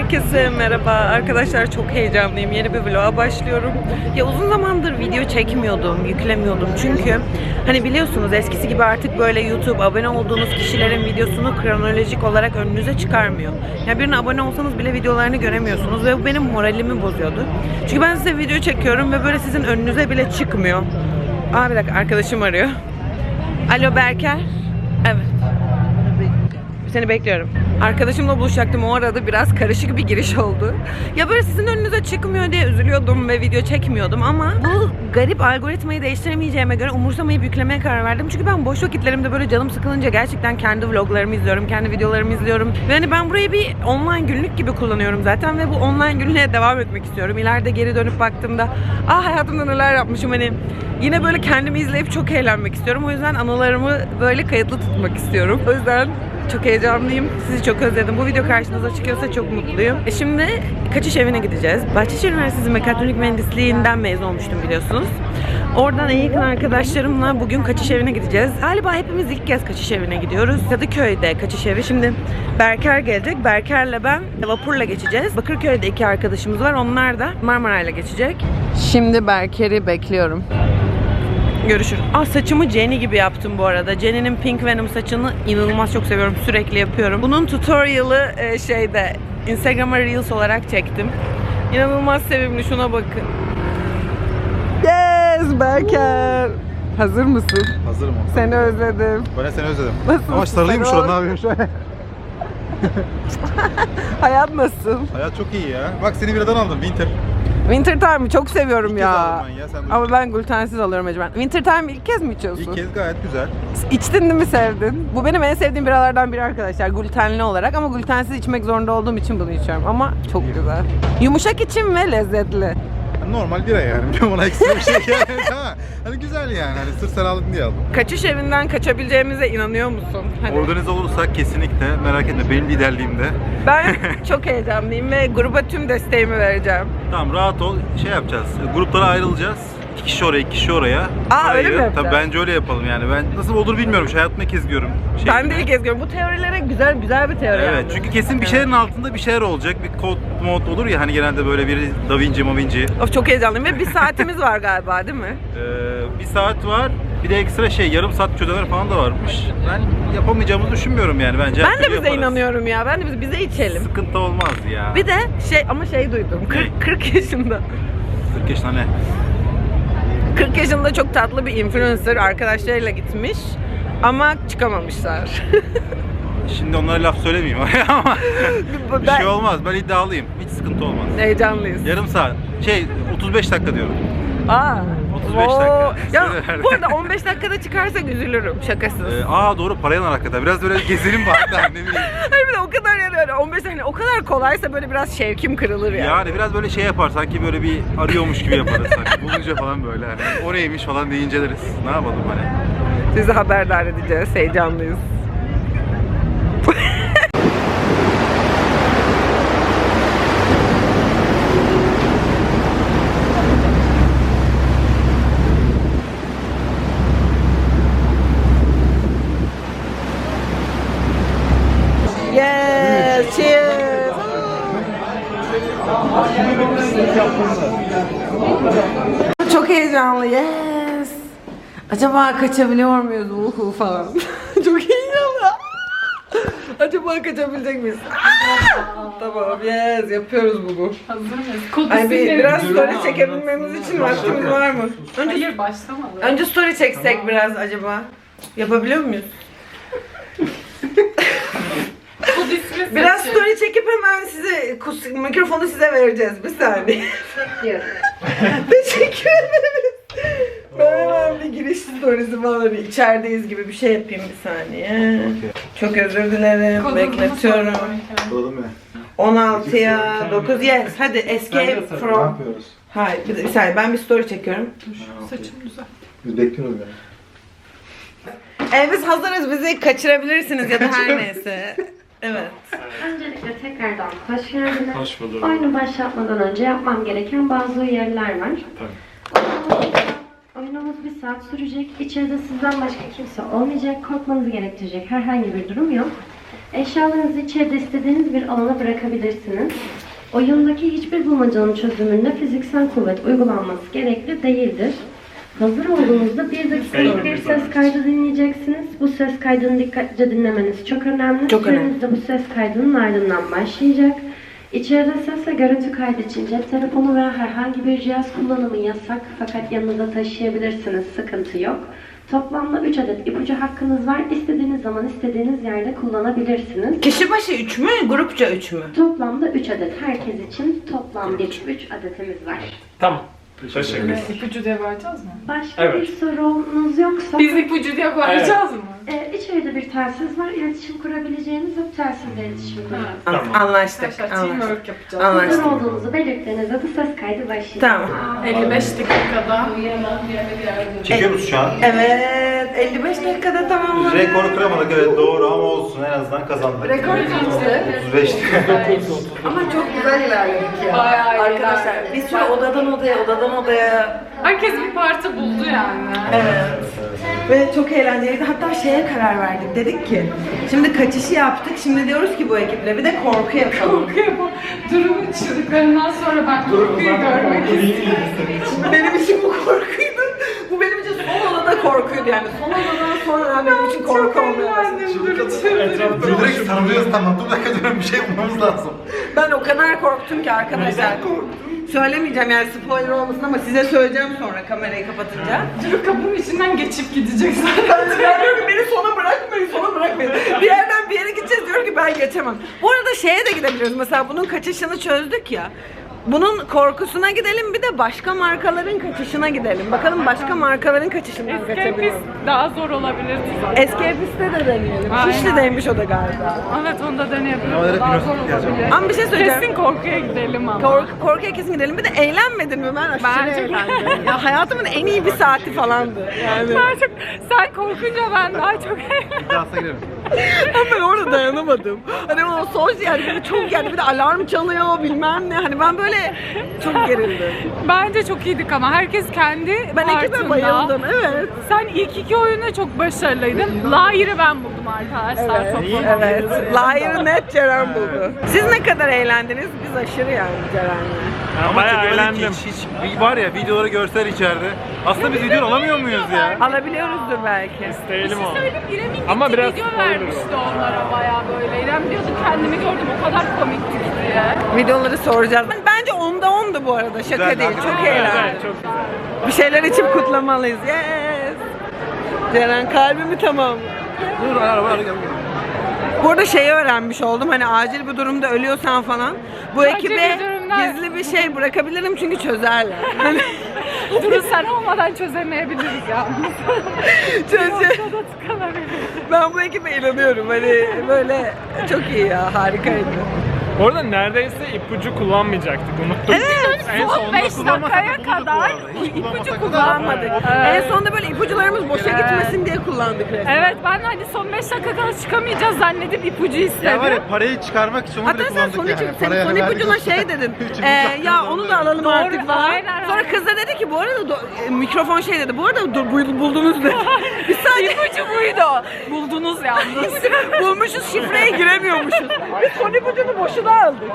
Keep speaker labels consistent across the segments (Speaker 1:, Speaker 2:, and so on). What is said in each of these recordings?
Speaker 1: Herkese merhaba arkadaşlar, çok heyecanlıyım. Yeni bir vloga başlıyorum. Ya uzun zamandır video çekmiyordum, yüklemiyordum. Çünkü hani biliyorsunuz eskisi gibi artık böyle YouTube abone olduğunuz kişilerin videosunu kronolojik olarak önünüze çıkarmıyor. Yani birine abone olsanız bile videolarını göremiyorsunuz ve bu benim moralimi bozuyordu. Çünkü ben size video çekiyorum ve böyle sizin önünüze bile çıkmıyor. Aa bir dakika, arkadaşım arıyor. Alo Berker. Evet. Seni bekliyorum. Arkadaşımla buluşacaktım, o arada biraz karışık bir giriş oldu. Ya böyle sizin önünüze çıkmıyor diye üzülüyordum ve video çekmiyordum ama bu garip algoritmayı değiştiremeyeceğime göre umursamayıp yüklemeye karar verdim. Çünkü ben boş vakitlerimde böyle canım sıkılınca gerçekten kendi vloglarımı izliyorum, kendi videolarımı izliyorum. Ve hani ben burayı bir online günlük gibi kullanıyorum zaten ve bu online günlüğe devam etmek istiyorum. İleride geri dönüp baktığımda hayatımda neler yapmışım, hani yine böyle kendimi izleyip çok eğlenmek istiyorum. O yüzden anılarımı böyle kayıtlı tutmak istiyorum. O yüzden çok heyecanlıyım. Sizi çok özledim. Bu video karşınıza çıkıyorsa çok mutluyum. Şimdi kaçış evine gideceğiz. Bahçeşehir Üniversitesi Mekatronik Mühendisliğinden mezun olmuştum biliyorsunuz. Oradan en yakın arkadaşlarımla bugün kaçış evine gideceğiz. Galiba hepimiz ilk kez kaçış evine gidiyoruz. Kadıköy'de kaçış evi. Şimdi Berker gelecek. Berker'le ben vapurla geçeceğiz. Bakırköy'de 2 arkadaşımız var. Onlar da Marmaray'la geçecek. Şimdi Berker'i bekliyorum. Görüşürüz. Saçımı Jenny gibi yaptım bu arada. Jenny'nin Pink Venom saçını inanılmaz çok seviyorum. Sürekli yapıyorum. Bunun tutorial'ı Instagram'a Reels olarak çektim. İnanılmaz sevimli. Şuna bakın. Yes Berker. Hazır mısın?
Speaker 2: Hazırım.
Speaker 1: Seni özledim.
Speaker 2: Ben de seni özledim.
Speaker 1: Nasılsın?
Speaker 2: Ama sarılayım şu an, ne yapıyorsun şöyle?
Speaker 1: Hayat nasıl?
Speaker 2: Hayat çok iyi ya. Bak seni biradan aldım, Winter.
Speaker 1: Winter Time'ı çok seviyorum
Speaker 2: İlk
Speaker 1: ya.
Speaker 2: kez aldım ben ya, sen
Speaker 1: Ama ben glutensiz alıyorum mecburen. Winter Time ilk kez mi içiyorsun?
Speaker 2: İlk kez gayet güzel.
Speaker 1: İçtin değil mi, sevdin? Bu benim en sevdiğim biralardan biri arkadaşlar, glutenli olarak, ama glutensiz içmek zorunda olduğum için bunu içiyorum ama çok güzel. Yumuşak içim ve lezzetli.
Speaker 2: Normal bira yani. Ona ekstra bir şey yani. Hani güzel yani. Hani sırf sen aldın diye aldım.
Speaker 1: Kaçış evinden kaçabileceğimize inanıyor musun? Hani
Speaker 2: Organize olursak kesinlikle, merak etme, benim liderliğimde.
Speaker 1: ben çok heyecanlıyım ve gruba tüm desteğimi vereceğim.
Speaker 2: Tamam, rahat ol. Şey yapacağız. Gruplara ayrılacağız. 2 kişi oraya, 2 kişi oraya.
Speaker 1: Öyle mi yapacağız?
Speaker 2: Tabii bence öyle yapalım yani. Ben nasıl olur bilmiyorum. Şu hayatımda ilk kez görüyorum.
Speaker 1: Ben de ilk kez görüyorum. Bu teorilere güzel bir teori.
Speaker 2: Evet,
Speaker 1: yani.
Speaker 2: çünkü kesin bir şeylerin altında bir şeyler olacak. Bir kod mod olur ya hani, genelde böyle biri Da Vinci.
Speaker 1: Of, çok heyecanlıyım ve bir saatimiz var galiba değil mi?
Speaker 2: Bir saat var. Bir de ekstra yarım saat çözeler falan da varmış. Ben yapamayacağımızı düşünmüyorum yani bence.
Speaker 1: Ben de bize inanıyorum ya. Ben de bize içelim.
Speaker 2: Sıkıntı olmaz ya.
Speaker 1: Bir de duydum. 40 yaşında.
Speaker 2: 40 yaşında ne?
Speaker 1: 40 yaşında çok tatlı bir influencer arkadaşlarıyla gitmiş ama çıkamamışlar.
Speaker 2: Şimdi onlara laf söylemeyeyim ama bir şey olmaz. Ben iddialıyım. Hiç sıkıntı olmaz.
Speaker 1: Heyecanlıyız.
Speaker 2: Yarım saat. 35 dakika diyorum. 35
Speaker 1: Oo.
Speaker 2: dakika.
Speaker 1: Ya bu arada 15 dakikada çıkarsak üzülürüm, şakasız.
Speaker 2: Doğru, parayla hakikaten. Biraz böyle gezelim bari da ne bileyim.
Speaker 1: Hayır, bir de o kadar yani 15 dakika o kadar kolaysa böyle biraz şevkim kırılır yani.
Speaker 2: Yani biraz böyle şey yapar, sanki böyle bir arıyormuş gibi yaparız sanki. Bulunca falan böyle hani. O neymiş falan diye inceleriz. Ne yapalım hani.
Speaker 1: Sizi haberdar edeceğiz. Heyecanlıyız. Yes, cheers. Çok heyecanlı. Yes. Acaba kaçabiliyor muyuz falan. Çok heyecanlı. Acaba kaçabilecek miyiz? Tamam, yes, yapıyoruz bunu.
Speaker 3: Hazır mıyız?
Speaker 1: Ay biraz story çekebilmemiz için vaktimiz var mı?
Speaker 3: Hayır, başlamadı.
Speaker 1: Önce story çeksek biraz acaba. Yapabiliyor muyuz? Biraz story çekip hemen size mikrofonu size vereceğiz. Bir saniye. Teşekkür ederiz. Ben hemen bir giriş storiesi falan, içerideyiz gibi bir şey yapayım, bir saniye. Çok özür dilerim. Bekletiyorum. 16'ya 9, yes. Hadi escape from. Hayır, bir saniye, ben bir story çekiyorum.
Speaker 3: Saçım güzel.
Speaker 2: Biz bekliyoruz yani.
Speaker 1: Biz hazırız, bizi kaçırabilirsiniz ya da her neyse. Evet.
Speaker 4: Öncelikle tekrardan hoş geldiniz.
Speaker 2: Hoş bulduk.
Speaker 4: Oyunu başlatmadan önce yapmam gereken bazı uyarılar var.
Speaker 2: Tabii.
Speaker 4: Oyunumuz 1 saat sürecek. İçeride sizden başka kimse olmayacak. Korkmanızı gerektirecek herhangi bir durum yok. Eşyalarınızı içeride istediğiniz bir alana bırakabilirsiniz. Oyundaki hiçbir bulmacanın çözümünde fiziksel kuvvet uygulanması gerekli değildir. Hazır olduğunuzda 1 dakikalık bir ses kaydı dinleyeceksiniz. Bu ses kaydını dikkatlice dinlemeniz çok önemli.
Speaker 1: Çok önemli.
Speaker 4: Süreniz de bu ses kaydının ardından başlayacak. İçeride ses ve görüntü kaydı için cep telefonu veya herhangi bir cihaz kullanımı yasak, fakat yanınızda taşıyabilirsiniz, sıkıntı yok. Toplamda 3 adet ipucu hakkınız var. İstediğiniz zaman istediğiniz yerde kullanabilirsiniz.
Speaker 1: Kişi başı 3 mü, grupça 3 mü?
Speaker 4: Toplamda 3 adet. Herkes için toplam bir 3 adetimiz var.
Speaker 5: Tamam. Teşekkür ederim.
Speaker 3: İpucu diye bağıracağız mı?
Speaker 4: Başka
Speaker 5: Evet.
Speaker 4: bir sorunuz yoksa
Speaker 3: Biz ipucu diye bağıracağız mı?
Speaker 4: içeride bir telsiz var. İletişim kurabileceğiniz ve telsizle iletişim kuracağız.
Speaker 5: Tamam.
Speaker 1: Anlaştık.
Speaker 3: Arkadaşlar teamwork yapacağız.
Speaker 1: Anlaştık.
Speaker 4: Hazır olduğunuzu belirttiğinizde bu ses kaydı başlayacak.
Speaker 1: Tamam.
Speaker 3: 55 dakikada.
Speaker 2: Çekiyor musun şu an?
Speaker 1: Evet, 55 dakikada tamamladık.
Speaker 2: Rekoru kıramadık, evet doğru, ama olsun, en azından kazandık.
Speaker 3: Rekor kaçtı?
Speaker 2: 35.
Speaker 1: Ama çok güzel ilerledik ya.
Speaker 3: Bayağı iyi
Speaker 1: Arkadaşlar
Speaker 3: ilerledik.
Speaker 1: bir sürü odadan odaya.
Speaker 3: Herkes bir parti buldu yani.
Speaker 1: Evet. Ve çok eğlenceliydi. Hatta şeye karar verdik. Dedik ki şimdi kaçışı yaptık. Şimdi diyoruz ki bu ekiple bir de korku yapalım.
Speaker 3: Korku yapalım. Durumun çığlıklarından sonra ben korkuyu görmek istedim.
Speaker 1: Benim için bu korkuydu. Bu benim için son odada korkuydu yani. Son odadan sonra benim için korku olmaya başladı.
Speaker 3: Duru çıldırdı.
Speaker 2: Direkt sarılıyoruz, tamam, dur dakika diyorum, bir şey bulmamız lazım.
Speaker 1: Ben o kadar korktum ki arkadaşlar. Söylemeyeceğim yani spoiler olmasın ama size söyleyeceğim sonra kamerayı kapatınca.
Speaker 3: Duru kapının içinden geçip gidecek zaten.
Speaker 1: Ben diyorum ki beni sona bırakmayın. Bir yerden bir yere gideceğiz, diyorum ki ben geçemem. Bu arada şeye de gidebiliyoruz, mesela bunun kaçışını çözdük ya. Bunun korkusuna gidelim, bir de başka markaların kaçışına gidelim. Bakalım başka markaların kaçışından kaçabiliyor muyuz?
Speaker 3: Daha zor olabilirdi zaten.
Speaker 1: Escape'iste de deneyelim.
Speaker 3: Aynen.
Speaker 1: Şişli'deymiş o da galiba.
Speaker 3: Evet onu da deneyebiliriz.
Speaker 2: Ama direkt
Speaker 3: Daha
Speaker 2: bir
Speaker 3: zor
Speaker 2: nokta
Speaker 3: olabilir.
Speaker 1: Ama bir şey söyleyeceğim.
Speaker 3: Kesin korkuya gidelim ama.
Speaker 1: Korkuya kesin gidelim. Bir de eğlenmedin mi? Ben aşırı
Speaker 3: Bence-
Speaker 1: eğlendim. Ya hayatımın en iyi bir saati falandı. Yani.
Speaker 3: Daha çok, sen korkunca ben daha çok
Speaker 2: İddiasa girelim.
Speaker 1: Ben orada dayanamadım. Hani o sos yani böyle çok yani bir de alarm çalıyor bilmem ne. Hani ben böyle çok gerildim.
Speaker 3: Bence çok iyiydik ama herkes kendi
Speaker 1: Ben ekibe
Speaker 3: partında.
Speaker 1: bayıldım, evet.
Speaker 3: Sen ilk iki oyunda çok başarılıydın. Lahir'i ben buldum arkadaşlar toplam.
Speaker 1: Evet. Liar'ı net Ceren buldu. Siz ne kadar eğlendiniz? Biz aşırı yani Ceren'le.
Speaker 5: Ben
Speaker 2: Ama
Speaker 5: bayağı
Speaker 2: çekemedik
Speaker 5: eğlendim.
Speaker 2: hiç var ya, videoları görsel içeride. Aslında biz video alamıyor muyuz ya?
Speaker 1: Alabiliyoruzdur belki.
Speaker 5: İsteyelim o.
Speaker 3: Söyleyeyim İrem'in gitti
Speaker 5: Ama biraz
Speaker 3: video
Speaker 5: spoiler
Speaker 3: vermişti onlara bayağı böyle. İrem diyordu kendimi gördüm o kadar komikti diye.
Speaker 1: Videoları soracağız. Bence 10'da 10'du bu arada. Şaka
Speaker 2: Güzel,
Speaker 1: değil.
Speaker 2: hakikaten.
Speaker 1: Çok
Speaker 5: Evet,
Speaker 1: eğlendim.
Speaker 5: çok güzel.
Speaker 1: Bir şeyler içip kutlamalıyız. Yes. Ceren kalbimi tamam.
Speaker 2: Dur, araba gel.
Speaker 1: Burada şeyi öğrenmiş oldum. Hani acil bir durumda ölüyorsan falan bu
Speaker 3: Acil
Speaker 1: ekibe
Speaker 3: bir durumda-
Speaker 1: gizli bir şey bırakabilirim çünkü çözerler. Hani
Speaker 3: Duru sen olmadan çözemeyebiliriz yalnız.
Speaker 1: çözü.
Speaker 3: Ortada tıkanabiliriz.
Speaker 1: Ben bu ekibe inanıyorum. Hani böyle çok iyi ya. Harikaydı.
Speaker 5: Orada neredeyse ipucu kullanmayacaktık. Unuttum.
Speaker 1: Evet.
Speaker 5: En
Speaker 3: Son
Speaker 5: sonunda
Speaker 3: 5
Speaker 5: kullanmasak
Speaker 3: dakikaya
Speaker 5: da bulurduk bu
Speaker 3: kadar
Speaker 5: arada. Hiç
Speaker 3: ipucu
Speaker 1: Kullanmadık.
Speaker 3: Evet.
Speaker 1: En sonunda böyle ipucularımız boşa
Speaker 3: Evet.
Speaker 1: gitmesin diye kullandık resmen.
Speaker 3: Evet ben hani son 5 dakika kadar çıkamayacağız zannedip ipucu istedim.
Speaker 2: Ya var ya, parayı çıkarmak için onu
Speaker 1: Hatta
Speaker 2: bile
Speaker 1: sen
Speaker 2: kullandık
Speaker 1: son,
Speaker 2: yani.
Speaker 1: sen
Speaker 2: Parayı
Speaker 1: son
Speaker 2: hani
Speaker 1: ipucuna
Speaker 2: verdik
Speaker 1: şey
Speaker 2: olsun.
Speaker 1: dedin.
Speaker 2: Üçüncü
Speaker 1: Ya onu da alalım
Speaker 3: Doğru,
Speaker 1: artık falan.
Speaker 3: aynen,
Speaker 1: Sonra
Speaker 3: aynen.
Speaker 1: kız da dedi ki bu arada mikrofon şey dedi. Bu arada buldunuz dedi. Biz sadece
Speaker 3: İpucu buydu. Buldunuz yalnız.
Speaker 1: bulmuşuz, şifreye giremiyormuşuz. Biz son ipucunu boşuna aldık.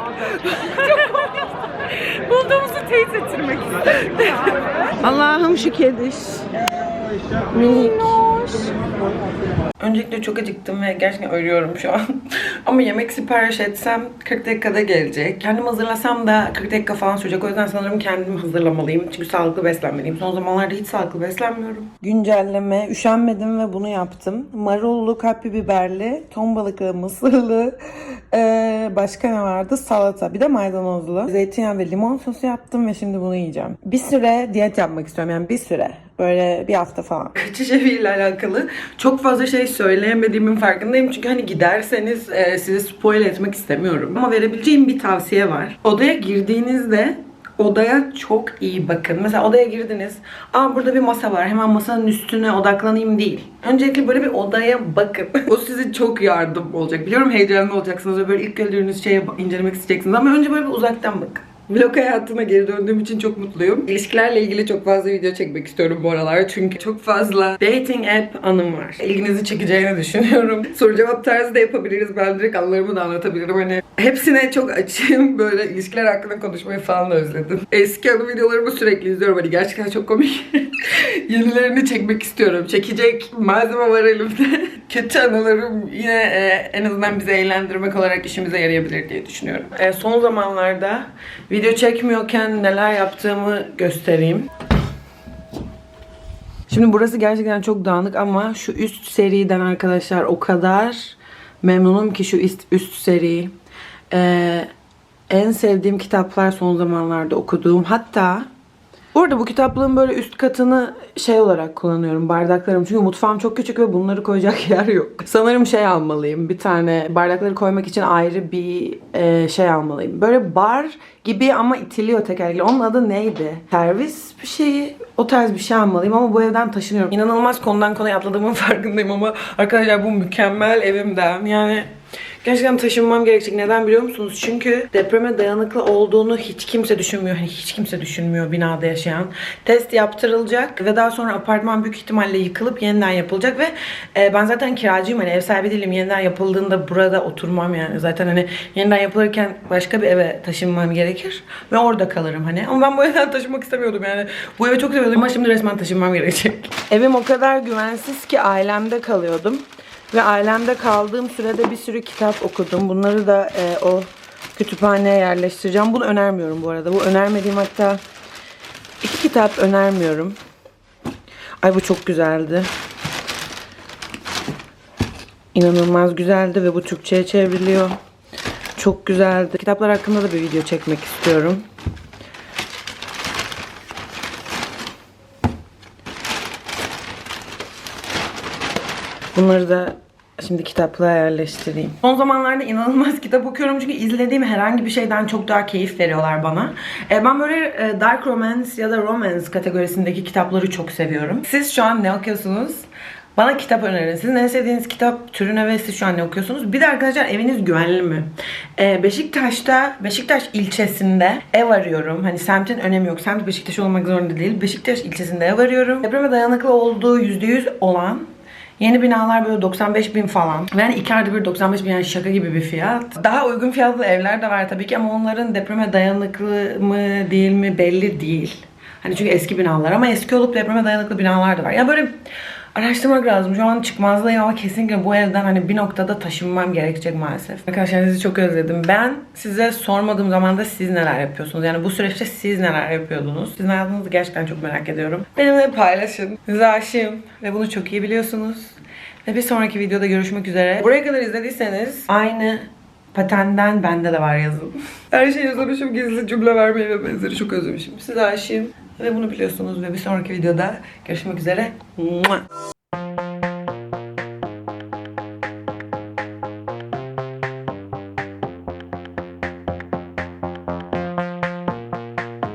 Speaker 3: Bulduğumuzu teyit ettirmek istedim.
Speaker 1: Allah'ım şu kediş. Minik. Öncelikle çok acıktım ve gerçekten ölüyorum şu an. Ama yemek sipariş etsem 40 dakikada gelecek. Kendim hazırlasam da 40 dakika falan sürecek. O yüzden sanırım kendim hazırlamalıyım. Çünkü sağlıklı beslenmeliyim. Son zamanlarda hiç sağlıklı beslenmiyorum. Güncelleme. Üşenmedim ve bunu yaptım. Marullu, kapya biberli, ton balıklı, mısırlı, başka ne vardı? Salata. Bir de maydanozlu. Zeytinyağı ve limon sosu yaptım ve şimdi bunu yiyeceğim. Bir süre diyet yapmak istiyorum. Yani bir süre. Böyle bir hafta falan. Kaçış eviyle alakalı çok fazla şey söyleyemediğimin farkındayım. Çünkü hani giderseniz sizi spoil etmek istemiyorum. Ama verebileceğim bir tavsiye var. Odaya girdiğinizde odaya çok iyi bakın. Mesela odaya girdiniz. Burada bir masa var. Hemen masanın üstüne odaklanayım değil. Öncelikle böyle bir odaya bakın. O size çok yardım olacak. Biliyorum heyecanlı olacaksınız ve böyle ilk gördüğünüz şeyi incelemek isteyeceksiniz. Ama önce böyle bir uzaktan bakın. Vlog hayatına geri döndüğüm için çok mutluyum. İlişkilerle ilgili çok fazla video çekmek istiyorum bu aralar. Çünkü çok fazla dating app anım var. İlginizi çekeceğini düşünüyorum. Soru cevap tarzı da yapabiliriz. Ben direkt anılarımı da anlatabilirim. Hani hepsine çok açığım. Böyle ilişkiler hakkında konuşmayı falan özledim. Eski anı videolarımı sürekli izliyorum. Hani gerçekten çok komik. Yenilerini çekmek istiyorum. Çekecek malzeme var elimde. Kötü anılarım yine en azından bizi eğlendirmek olarak işimize yarayabilir diye düşünüyorum. Son zamanlarda video çekmiyorken neler yaptığımı göstereyim. Şimdi burası gerçekten çok dağınık ama şu üst seriden arkadaşlar o kadar memnunum ki şu üst seri. En sevdiğim kitaplar son zamanlarda okuduğum. Hatta burada bu kitaplığın böyle üst katını şey olarak kullanıyorum, bardaklarım. Çünkü mutfağım çok küçük ve bunları koyacak yer yok. Sanırım şey almalıyım, bir tane bardakları koymak için ayrı bir şey almalıyım. Böyle bar gibi ama itiliyor tekerlekli. Onun adı neydi? Servis bir şeyi, o tarz bir şey almalıyım ama bu evden taşınıyorum. İnanılmaz konudan konuya atladığımın farkındayım ama arkadaşlar bu mükemmel evimden yani gerçekten taşınmam gerekecek. Neden biliyor musunuz? Çünkü depreme dayanıklı olduğunu hiç kimse düşünmüyor. Hani hiç kimse düşünmüyor binada yaşayan. Test yaptırılacak ve daha sonra apartman büyük ihtimalle yıkılıp yeniden yapılacak ve ben zaten kiracıyım. Hani ev sahibi değilim. Yeniden yapıldığında burada oturmam yani. Zaten hani yeniden yapılırken başka bir eve taşınmam gerekir ve orada kalırım hani. Ama ben bu evden taşınmak istemiyordum yani. Bu evi çok seviyordum ama şimdi resmen taşınmam gerekecek. Evim o kadar güvensiz ki ailemde kalıyordum. Ve ailemde kaldığım sürede bir sürü kitap okudum. Bunları da o kütüphaneye yerleştireceğim. Bunu önermiyorum bu arada. Bu önermediğim hatta 2 kitap önermiyorum. Ay bu çok güzeldi. İnanılmaz güzeldi ve bu Türkçe'ye çevriliyor. Çok güzeldi. Kitaplar hakkında da bir video çekmek istiyorum. Bunları da şimdi kitaplığa yerleştireyim. Son zamanlarda inanılmaz kitap okuyorum çünkü izlediğim herhangi bir şeyden çok daha keyif veriyorlar bana. Ben böyle dark romance ya da romance kategorisindeki kitapları çok seviyorum. Siz şu an ne okuyorsunuz? Bana kitap önerin. Sizin en sevdiğiniz kitap türüne ve siz şu an ne okuyorsunuz? Bir de arkadaşlar eviniz güvenli mi? Beşiktaş ilçesinde ev arıyorum. Hani semtin önemi yok. Semt Beşiktaş olmak zorunda değil. Beşiktaş ilçesinde ev arıyorum. Depreme dayanıklı olduğu %100 olan yeni binalar böyle 95.000 falan. Yani 2 ayda bir 95.000 yani şaka gibi bir fiyat. Daha uygun fiyatlı evler de var tabii ki ama onların depreme dayanıklı mı değil mi belli değil. Hani çünkü eski binalar ama eski olup depreme dayanıklı binalar da var. Yani böyle araştırmak lazım. Şu an çıkmazdayım ama kesinlikle bu evden hani bir noktada taşınmam gerekecek maalesef. Arkadaşlar sizi çok özledim. Ben size sormadığım zaman da siz neler yapıyorsunuz? Yani bu süreçte siz neler yapıyordunuz? Sizin hayatınızı gerçekten çok merak ediyorum. Benimle paylaşın. Size aşığım ve bunu çok iyi biliyorsunuz. Ve bir sonraki videoda görüşmek üzere. Buraya kadar izlediyseniz aynı patenden bende de var yazın. Her şeyi yazmışım, gizli cümle vermeyi ve benzeri çok özlemişim. Size aşığım ve bunu biliyorsunuz ve bir sonraki videoda görüşmek üzere.